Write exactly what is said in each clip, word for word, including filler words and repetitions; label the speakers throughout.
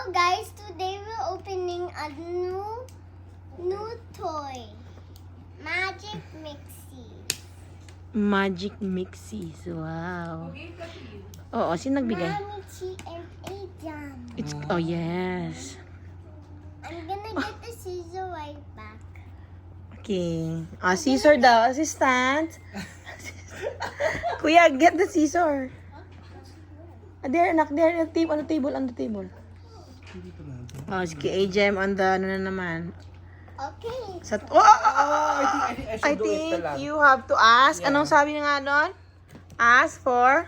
Speaker 1: guys, today we're opening a new new toy. Magic Mixie.
Speaker 2: Magic Mixies. Wow. Oo, sino nagbigay?
Speaker 1: Mommy, Chi, and Ajam.
Speaker 2: It's, oh, yes.
Speaker 1: I'm gonna get the scissor right back.
Speaker 2: Okay. Ah, scissor daw. Assistant. Kuya, get the scissor. Ah, there, anak. There, on the table, on the table, on the table. Oh, sige, A-Gem on the, ano na naman.
Speaker 1: Okay.
Speaker 2: Sa, oh, oh, oh, oh,
Speaker 3: I think, I think I
Speaker 2: I
Speaker 3: should do it
Speaker 2: think
Speaker 3: lang.
Speaker 2: you have to ask.
Speaker 3: Yeah.
Speaker 2: Anong sabi niya nga doon? Ask for?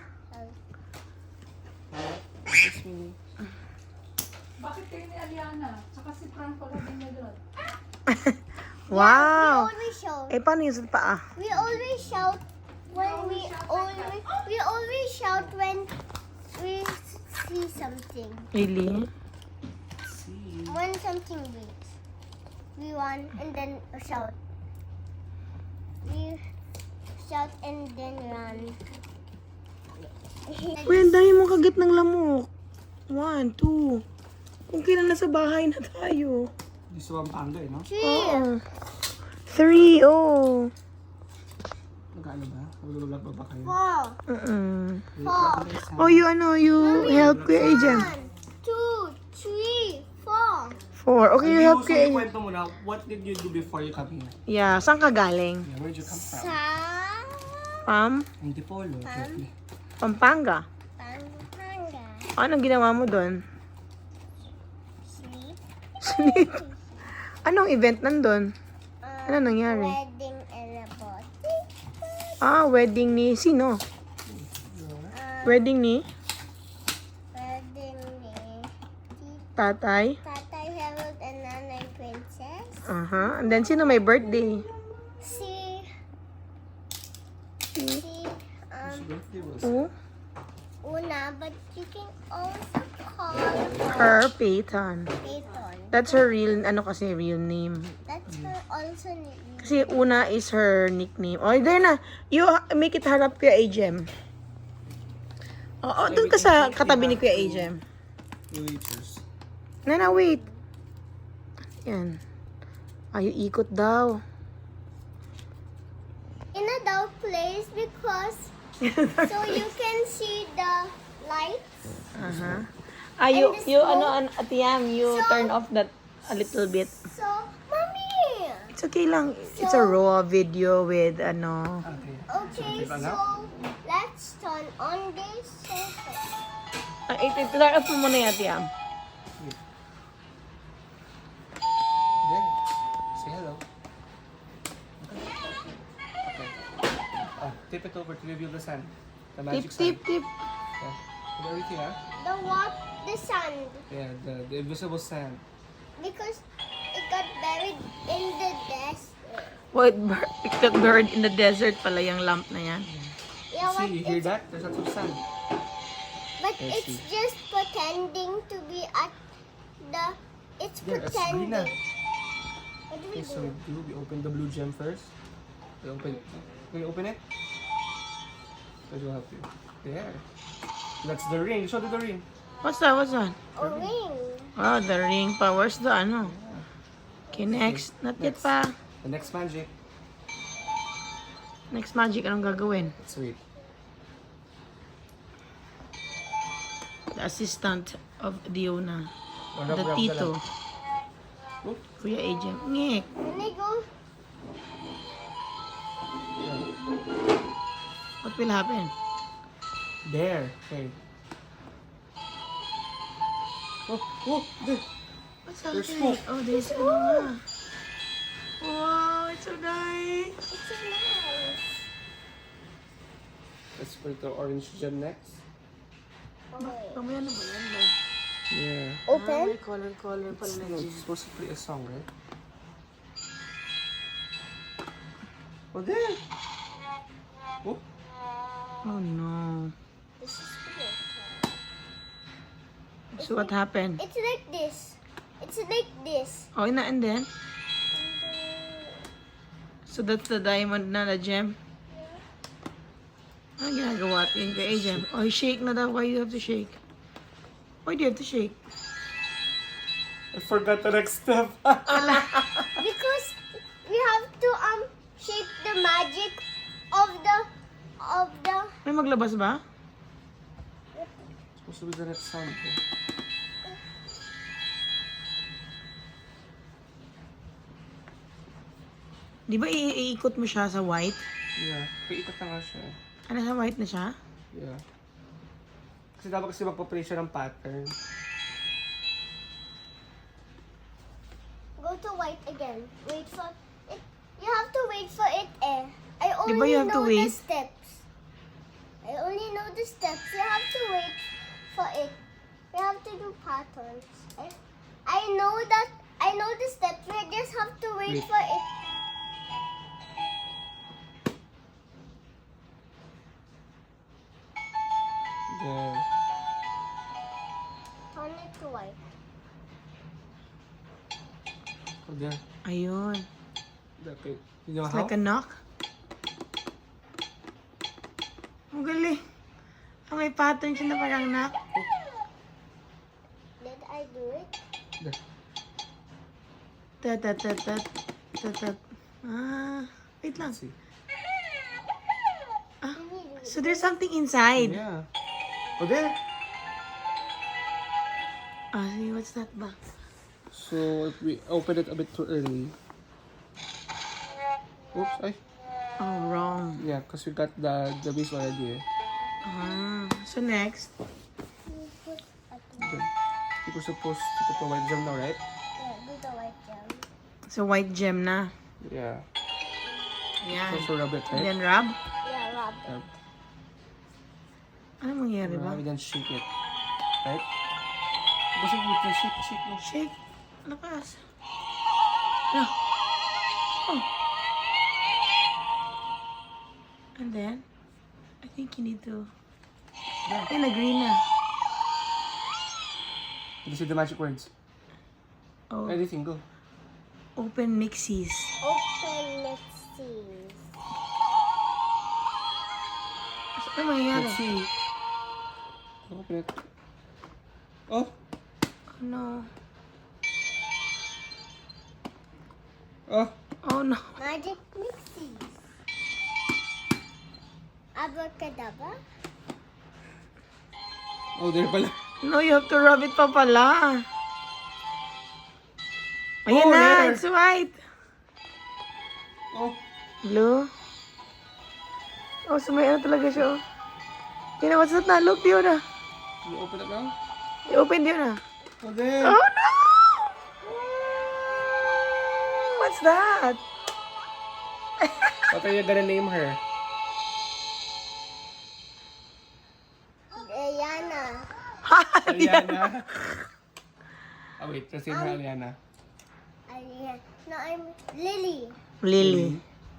Speaker 4: Bakit kayo ni Aliana? Tsaka si Frank pala din niya doon.
Speaker 2: Wow.
Speaker 1: We always shout.
Speaker 2: Eh, paano yung sa paa?
Speaker 1: We always shout when we always we always shout when we see something.
Speaker 2: Really?
Speaker 1: When something breaks, we run and then shout. We shout and then run.
Speaker 2: Uy, ang dami mong kagat ng lamok. One, two. Kung kailan nasa bahay na tayo.
Speaker 3: Gusto ang panga eh, no?
Speaker 1: Three.
Speaker 2: Oo. Three, oh.
Speaker 3: Nag-ano ba? Magululak ba ba kayo?
Speaker 1: Four.
Speaker 2: Mm-mm.
Speaker 1: Four.
Speaker 2: Oh, you ano, you help Kuya Agent.
Speaker 1: One, two, three, four.
Speaker 2: Four. Okay, you help Kuya Agent.
Speaker 3: Kwento mo na, what did you do before you come here?
Speaker 2: Yeah, saan ka galing?
Speaker 3: Yeah, where'd you come from?
Speaker 1: Sa
Speaker 2: Pam?
Speaker 3: Antipolo. Turkey.
Speaker 2: Pampanga.
Speaker 1: Pampanga.
Speaker 2: Anong ginawa mo doon?
Speaker 1: Sleep.
Speaker 2: Sleep. Anong event nandun?
Speaker 1: Uh,
Speaker 2: Ano nangyari?
Speaker 1: Wedding and a party.
Speaker 2: Ah, wedding ni sino?
Speaker 1: Uh,
Speaker 2: Wedding ni
Speaker 1: wedding ni
Speaker 2: tatay?
Speaker 1: Tatay Harold and Nanay Princess.
Speaker 2: Aha. And then, sino may birthday?
Speaker 1: Si si um
Speaker 2: Oh,
Speaker 1: Una, but you can also call
Speaker 2: her
Speaker 1: her
Speaker 2: Peyton.
Speaker 1: Peyton.
Speaker 2: That's her real, ano kasi, real name.
Speaker 1: That's her also name.
Speaker 2: Kasi Una is her nickname. Oh, there na. You ha- make it harap Kuya Agem. Oo, doon ka sa katabi ni Kuya Agem.
Speaker 3: Waitress.
Speaker 2: Nana, wait. Yan. Ay, ikot daw.
Speaker 1: In a dark place because so you can see the lights.
Speaker 2: Aha. Ah, you,
Speaker 1: And the
Speaker 2: you,
Speaker 1: smoke.
Speaker 2: ano, an- Ate Yam, you
Speaker 1: So-
Speaker 2: turn off that a little bit.
Speaker 1: So, mommy.
Speaker 2: It's okay lang. It's a raw video with, ano.
Speaker 3: Okay.
Speaker 1: Okay,
Speaker 3: So,
Speaker 1: so let's turn on this sofa.
Speaker 2: Ah, ito, ito, turn off mo muna yung Ate Yam.
Speaker 3: There. Say hello. Okay. Okay. Ah, tip it over to reveal the sun. The
Speaker 2: Tip,
Speaker 3: magic
Speaker 2: tip,
Speaker 3: sun.
Speaker 2: tip.
Speaker 3: Yeah. Put everything, ah.
Speaker 1: The what? The sand.
Speaker 3: Yeah, the, the invisible sand.
Speaker 1: Because it got buried in the desert.
Speaker 2: What bird, picked bird in the desert pala yung lamp na yan.
Speaker 1: Yeah, what?
Speaker 3: See, you hear
Speaker 1: It's,
Speaker 3: that? There's lots of sand.
Speaker 1: but
Speaker 3: I
Speaker 1: it's
Speaker 3: see.
Speaker 1: just pretending to be at the. It's
Speaker 3: Yeah, that's
Speaker 1: pretending.
Speaker 3: green na.
Speaker 1: What do we
Speaker 3: Okay, so
Speaker 1: do?
Speaker 3: we do, we open the blue gem first. We open it. Can you open it? I will help you. There. That's the ring. Show me the ring.
Speaker 2: What's that? What's that?
Speaker 1: A ring.
Speaker 2: Oh, the ring pa. Where's the ano? Okay, next. Not yet
Speaker 3: Next.
Speaker 2: pa.
Speaker 3: The next magic.
Speaker 2: Next magic, anong gagawin?
Speaker 3: Let's read.
Speaker 2: The assistant of Diona.
Speaker 3: Oh,
Speaker 2: The
Speaker 3: rub, rub
Speaker 2: tito.
Speaker 3: lang. Oh,
Speaker 2: Kuya Agent. Ngek.
Speaker 1: When I go,
Speaker 2: What will happen?
Speaker 3: there. Okay. Oh, oh, there.
Speaker 2: What's
Speaker 3: There's
Speaker 2: happening?
Speaker 3: smoke.
Speaker 2: Oh, there's ano nga. Wow, it's so nice.
Speaker 1: it's so nice.
Speaker 3: Let's put the orange gem next.
Speaker 1: Oh, wait.
Speaker 2: Mamaya na ba yan? Ba?
Speaker 3: Yeah.
Speaker 2: Ah,
Speaker 1: Open.
Speaker 2: may color-color pala na
Speaker 3: No,
Speaker 2: gem.
Speaker 3: it's supposed to play a song, right? Oh, there. Oh,
Speaker 2: Oh no.
Speaker 1: This is good.
Speaker 2: So what happened?
Speaker 1: It's like this. It's like this.
Speaker 2: Oh, na and then?
Speaker 1: And then,
Speaker 2: So that's the diamond na, the gem? Ano ginagawa natin kay Agent? Oh, shake na daw. Why do you have to shake? Why do you have to shake?
Speaker 3: I forgot the next step.
Speaker 1: Because we have to um shape the magic of the of the
Speaker 2: May maglabas ba?
Speaker 3: Supposed to be the next sound. eh.
Speaker 2: Di ba i- iikot mo siya sa white?
Speaker 3: Yeah. Paikot na nga siya.
Speaker 2: Ano, sa white na siya?
Speaker 3: Yeah. Kasi dapat kasi magpa-play siya ng pattern.
Speaker 1: go to white again. Wait for it. You have to wait for it. Eh. I
Speaker 2: Di
Speaker 1: only
Speaker 2: ba you have to
Speaker 1: know the
Speaker 2: wait?
Speaker 1: steps. I only know the steps. You have to wait for it. We have to do patterns. I, I know that. I know the steps. We just have to wait
Speaker 3: Wait.
Speaker 1: for it.
Speaker 3: There.
Speaker 1: Turn it to white.
Speaker 3: Oh, there.
Speaker 2: Ayun.
Speaker 3: Okay. You know
Speaker 2: It's
Speaker 3: how?
Speaker 2: like a knock. Ang galing. Ah, may pattern siya na parang knock.
Speaker 1: Did I do it?
Speaker 3: There.
Speaker 2: Tat, tat, tat, tat, tat, tat. Ah, wait lang.
Speaker 3: See.
Speaker 2: Ah,
Speaker 1: Did we do it?
Speaker 2: so there's something inside.
Speaker 3: Yeah. Oh, there.
Speaker 2: Ah, see, what's that ba?
Speaker 3: So, if we open it a bit too early. Oops, ay.
Speaker 2: Oh, wrong.
Speaker 3: Yeah, because we got the the base already. Eh.
Speaker 2: Ah, so next.
Speaker 1: We put at the
Speaker 3: Okay. You were supposed to put the white gem now, right?
Speaker 1: yeah, do the white gem.
Speaker 2: So white gem na.
Speaker 3: Yeah.
Speaker 2: Yan.
Speaker 3: So, rub it,
Speaker 2: And
Speaker 3: right?
Speaker 2: then rub.
Speaker 1: Yeah, rub.
Speaker 3: Rub.
Speaker 2: Ano mangyari ba?
Speaker 3: Rub and then shake it. Right? Basta mo ito, shake, shake mo.
Speaker 2: Shake. Lakas. No. Oh. And then, I think you need to...
Speaker 3: Yeah.
Speaker 2: Ay, nag-green na.
Speaker 3: Did you see the magic words?
Speaker 2: Oh.
Speaker 3: Anything, go.
Speaker 2: Open mixies.
Speaker 1: Open mixies.
Speaker 2: Ano mangyayari?
Speaker 3: Let's see. Open it. Oh!
Speaker 2: Oh no.
Speaker 3: Oh!
Speaker 2: Oh no.
Speaker 1: Magic mixies. Abracadabra.
Speaker 3: Oh, there pala.
Speaker 2: No, you have to rub it pa pala. Ayan
Speaker 3: Oh,
Speaker 2: na,
Speaker 3: there.
Speaker 2: it's white.
Speaker 3: Oh!
Speaker 2: Blue. Oh, so may ano talaga siya. Oh. Yun na, what's that na? Look, yun na.
Speaker 3: You open it now?
Speaker 2: I-open yun na.
Speaker 3: Oh, there!
Speaker 2: Oh no! What's that?
Speaker 3: What are you gonna name her?
Speaker 1: Diana.
Speaker 3: Aliana. Oh, wait. Let's name her Aliana.
Speaker 1: Ariana. No, I'm Lily.
Speaker 2: Lily.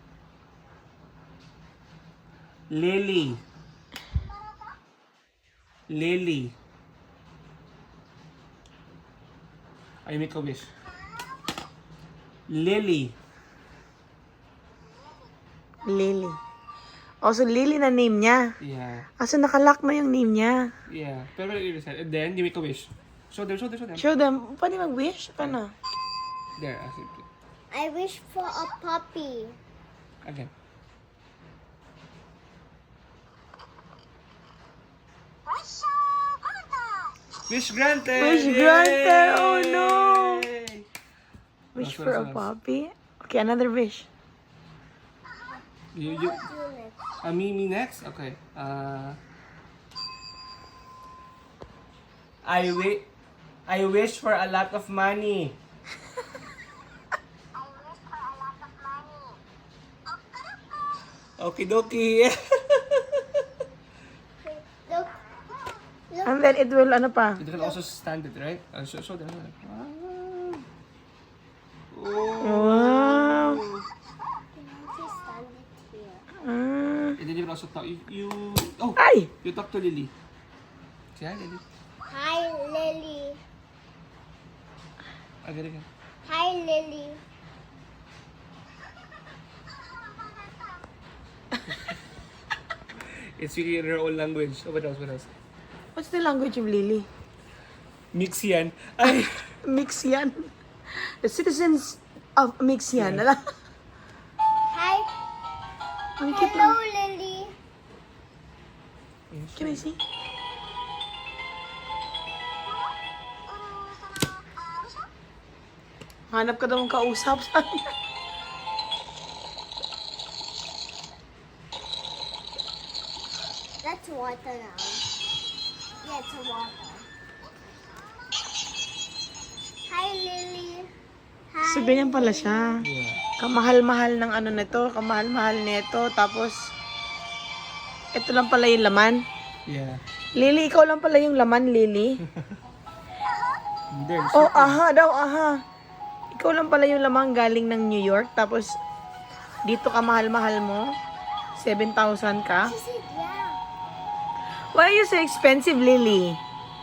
Speaker 3: Lily. Lily. I make a wish. Lily.
Speaker 2: Lily. Oh, so Lily na name niya.
Speaker 3: Yeah.
Speaker 2: Ah, so nakalock na yung name niya.
Speaker 3: Yeah. Pero you decide. And then you make a wish. Show them, show them, show them.
Speaker 2: Show them. Pwede mag-wish? Paano?
Speaker 3: There, I see.
Speaker 1: I wish for a puppy.
Speaker 3: Again. Wish granted!
Speaker 2: Wish granted! Oh, no!
Speaker 3: Yay!
Speaker 2: Wish
Speaker 3: Last
Speaker 2: for a
Speaker 3: one, last one.
Speaker 2: puppy? Okay, another wish.
Speaker 3: You, you,
Speaker 1: Do next.
Speaker 3: uh, me, me next? Okay. Uh, I wi- I wish for a lot of money. Okie dokie.
Speaker 1: Look. Look.
Speaker 2: And then it will, ano pa?
Speaker 3: You can also stand it, right? Uh, show, show them. show them. Oh.
Speaker 2: Wow.
Speaker 1: Just stand it here.
Speaker 2: Ah.
Speaker 3: And then you can also talk. You, you oh,
Speaker 2: Ay!
Speaker 3: you talk to Lily. Say hi, Lily.
Speaker 1: Hi, Lily.
Speaker 3: Again, again.
Speaker 1: Hi, Lily.
Speaker 3: It's speaking in her own language. Oh, what else? What else?
Speaker 2: What's the language of Lily?
Speaker 3: Mix yan. Ay!
Speaker 2: Mix yan. The citizens of Mix yan. Ala?
Speaker 1: Hi.
Speaker 2: Ang cute
Speaker 1: Hello,
Speaker 2: lang.
Speaker 1: Lily.
Speaker 2: Can I see? Hanap ka daw ng kausap sa
Speaker 1: That's water now. Yeah, it's water. Hi, Lily. Hi.
Speaker 2: So, ganyan pala siya.
Speaker 3: Yeah.
Speaker 2: Kamahal-mahal ng ano nito, kamahal-mahal nito. Tapos, ito lang pala yung laman.
Speaker 3: Yeah.
Speaker 2: Lily, ikaw lang pala yung laman, Lily.
Speaker 3: Hindi.
Speaker 2: Oh, aha daw, aha. Ikaw lang pala yung laman galing ng New York. Tapos, dito ka mahal-mahal mo. seven thousand ka.
Speaker 1: She said, yeah.
Speaker 2: Why are you so expensive, Lily?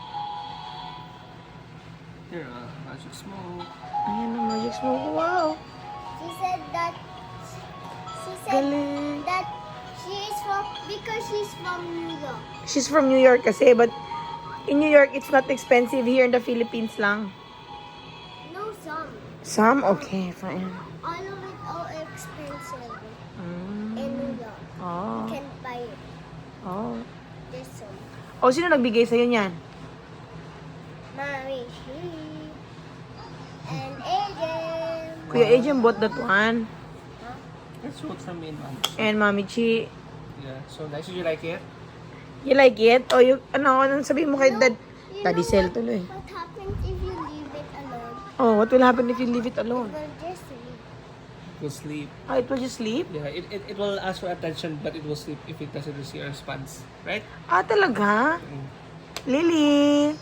Speaker 3: Here, uh, magic smoke.
Speaker 2: Ayan ang magic smoke. Wow.
Speaker 1: She said that. She said
Speaker 2: Galing.
Speaker 1: that she is from because she's from New York.
Speaker 2: She's from New York kasi, but in New York, it's not expensive. Here in the Philippines lang.
Speaker 1: No, some.
Speaker 2: Some? Okay, fine.
Speaker 1: All of it all expensive
Speaker 2: Mm.
Speaker 1: in New York.
Speaker 2: Oh.
Speaker 1: You can buy it.
Speaker 2: Oh.
Speaker 1: This one.
Speaker 2: O, sino nagbigay sa'yo niyan?
Speaker 1: Mommy, she and Aiden.
Speaker 2: Kuya Adrian bought that one.
Speaker 3: That's what from me, man.
Speaker 2: And Mami Chi.
Speaker 3: Yeah. So nice. Did you like it?
Speaker 2: You like it? O, you, ano, anong sabihin mo kay dad?
Speaker 1: You
Speaker 2: Daddy
Speaker 1: know
Speaker 2: Sel
Speaker 1: what-
Speaker 2: tuloy.
Speaker 1: What happens if you leave it alone?
Speaker 2: Oh, what will happen if you leave it alone?
Speaker 1: It will just leave.
Speaker 3: It will sleep.
Speaker 2: Ah, it will just sleep?
Speaker 3: Yeah. It, it, it will ask for attention, but it will sleep if it doesn't receive a response. Right?
Speaker 2: Ah, talaga?
Speaker 3: Mm.
Speaker 2: Lily!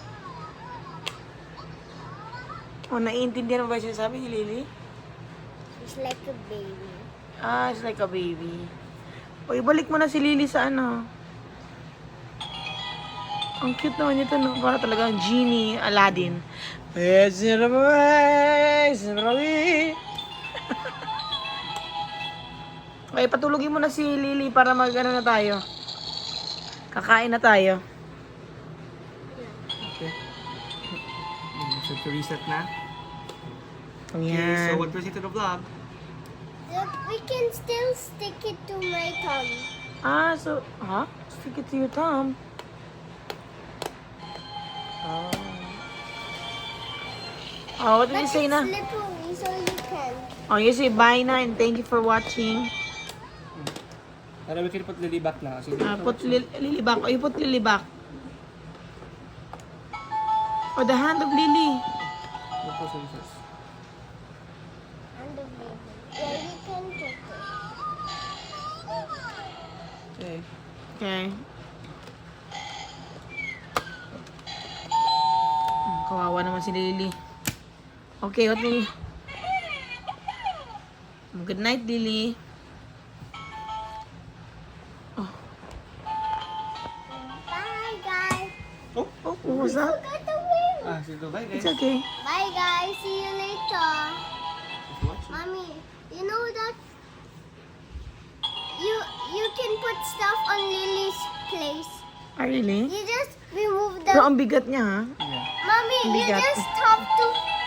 Speaker 2: Oh, naiintindihan mo ba yung sinasabi ni Lily?
Speaker 1: It's like a baby.
Speaker 2: Ah, it's like a baby. O, ibalik mo na si Lily sa ano. Ang cute naman ito, no? Para talagang genie, Aladdin. Yes, Okay, patulogin mo na si Lily para mag ano na tayo. Kakain na tayo.
Speaker 3: Okay. Mm, So to reset na. Okay.
Speaker 2: Ayan.
Speaker 3: So what was it to the vlog?
Speaker 1: Look, we can still stick it to my thumb.
Speaker 2: Ah, so, huh? Stick it to your thumb. Oh. Oh, what did
Speaker 1: But
Speaker 2: you say
Speaker 1: it's
Speaker 2: na?
Speaker 1: slippery, so you can.
Speaker 2: Oh, you say bye na and thank you for watching.
Speaker 3: Ano, we can put Lily back na. Kasi
Speaker 2: Uh, put li- Lily back. Oh, you put Lily back. Oh, the hand of Lily.
Speaker 3: What was it first?
Speaker 1: And the baby. Yeah, you can put it.
Speaker 3: Okay.
Speaker 2: Okay. Hmm, Kawawa naman si Lily. Okay, what will... Good night, Lily.
Speaker 1: Bye, guys.
Speaker 3: Oh,
Speaker 2: Oh, what was that?
Speaker 1: Got the wing.
Speaker 3: ah, sige, bye guys.
Speaker 2: It's okay.
Speaker 1: Bye, guys. See you later.
Speaker 3: Thanks for watching.
Speaker 1: Mommy, you know that you you can put stuff on Lily's place.
Speaker 2: Ah, really?
Speaker 1: You just remove
Speaker 2: Pero
Speaker 1: the.
Speaker 2: ang bigat niya, ha?
Speaker 3: Yeah.
Speaker 1: Mommy, you
Speaker 2: bigat.
Speaker 1: just have to.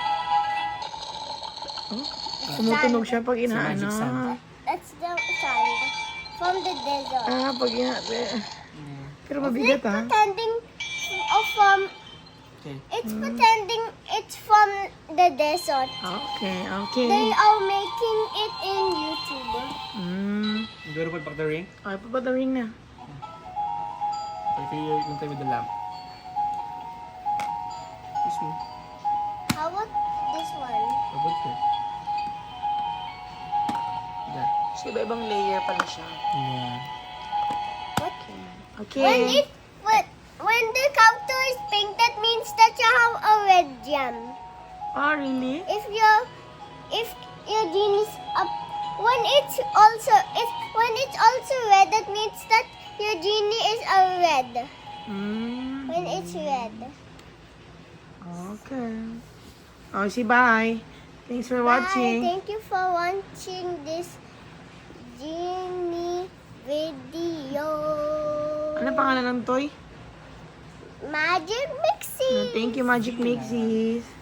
Speaker 2: Tumutunog siya pag
Speaker 3: It's a magic
Speaker 2: inaano.
Speaker 3: sand.
Speaker 1: That's the sand from the desert.
Speaker 2: Ah, pag ina...
Speaker 3: Yeah.
Speaker 2: Pero mabigat,
Speaker 1: It's
Speaker 2: ha?
Speaker 1: pretending of from.
Speaker 3: Okay.
Speaker 1: It's pretending it's from the desert.
Speaker 2: Okay,
Speaker 1: They
Speaker 2: okay.
Speaker 1: are making it in YouTube.
Speaker 2: Mm.
Speaker 3: You go to put back the ring.
Speaker 2: Okay, papatawing na.
Speaker 3: Okay, you're going to with the lamp. This one.
Speaker 1: How about this one?
Speaker 3: How about here? Yeah.
Speaker 2: So, iba-ibang layer pala siya.
Speaker 3: Yeah.
Speaker 1: What?
Speaker 2: Okay.
Speaker 1: When it when, when the counter is pink, that means that you have a red gem.
Speaker 2: Oh, really?
Speaker 1: If your if your genie is up, when it's also if when it's also red, that means that your genie is a red.
Speaker 2: Mm.
Speaker 1: When it's red.
Speaker 2: Okay. Oh, si bye. Thanks for
Speaker 1: Bye.
Speaker 2: watching.
Speaker 1: Thank you for watching this genie video.
Speaker 2: Ano pangalan ng toy?
Speaker 1: Magic Mixie.
Speaker 2: No, thank you, Magic Mixies.